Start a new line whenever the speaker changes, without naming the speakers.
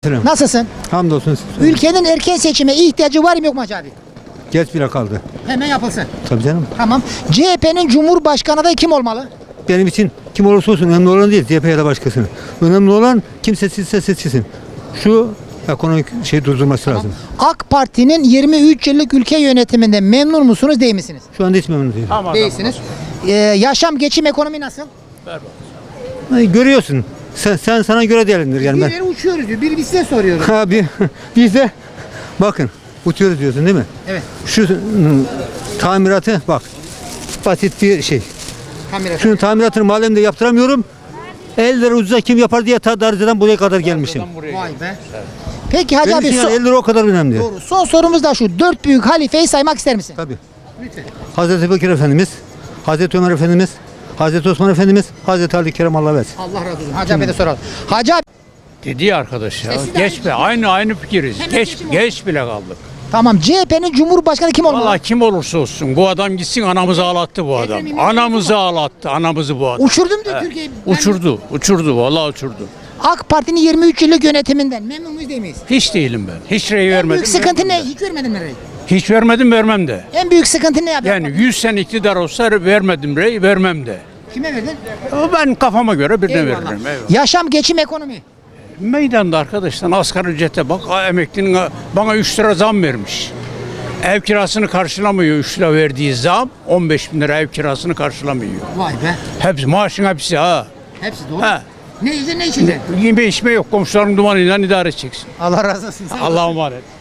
Selam.
Nasılsın?
Hamdolsun.
Ülkenin erken seçime ihtiyacı var mı yok mu Hacı abi?
Geç bile kaldı.
Hemen yapılsın.
Tabii canım.
Tamam. CHP'nin Cumhurbaşkanı adayı kim olmalı?
Benim için kim olursa olsun önemli olan değil CHP ya da başkasını. Önemli olan kim seçilse seçilsin. Şu ekonomik şey durdurması lazım.
AK Parti'nin 23 yıllık ülke yönetiminde memnun musunuz değil misiniz?
Şu anda hiç memnun değilim.
Değilsiniz. Yaşam, geçim, ekonomi nasıl?
Görüyorsun. Sen sana göre değerlendir yani ben.
Birileri uçuyoruz diyor. Biri biz size soruyoruz.
Abi biz de bakın uçuyoruz diyorsun değil mi?
Evet.
Şu tamiratı bak basit bir şey.
Kamera.
Şunun tamiratını mahallemde yaptıramıyorum. 50 lira ucuza kim yapar diye ta Darıca'dan buraya kadar gelmişim.
Vay be. Peki Hacı
Benim
abi
için yani 50 lira o kadar önemli.
doğru. Son sorumuz da şu. 4 büyük halifeyi saymak ister misin?
Tabii.
Lütfen.
Hazreti Bekir Efendimiz, Hazreti Ömer Efendimiz, Hazreti Osman Efendimiz, Hazreti Ali Kerem Allah versin.
Allah razı olsun. Hacı abi de soralım. Hacı abi.
Dedi arkadaş ya.
Siz de
Geç be. Aynı fikiriz.
Hemen
Geç
seçim
geç bile kaldık.
Tamam. CHP'nin Cumhurbaşkanı kim olmalı?
Vallahi kim olursa olsun bu adam gitsin anamızı ağlattı bu adam.
Ekrem
Anamızı ağlattı. Anamızı bu adam.
Uçurdum diyor Türkiye'yi.
Uçurdu. Vallahi uçurdu.
AK Parti'nin 23 yıllık yönetiminden memnun muyuz değil miyiz?
Hiç değilim ben. Hiç rey
En
vermedim.
büyük sıkıntı
vermem
ne?
de.
Hiç vermedin mi rey?
Hiç vermedim vermem de.
En büyük sıkıntı ne abi?
Yani 100 sene iktidar olsa vermedim rey vermem de.
Kime verdin?
Ben kafama göre birine
Eyvallah.
veririm. Eyvallah.
Yaşam, geçim, ekonomi.
Meydanda arkadaşlar asgari ücrete bak. Emeklinin bana 3 lira zam vermiş. Ev kirasını karşılamıyor 3 lira verdiği zam. 15 bin lira ev kirasını karşılamıyor.
Vay be.
Hepsi maaşın hepsi ha.
Hepsi doğru.
Ha.
Ne yiyeceksin ne içeceksin?
Yeme içme yok komşuların dumanıyla idare edeceksin.
Allah razı olsun.
Allah'a emanet.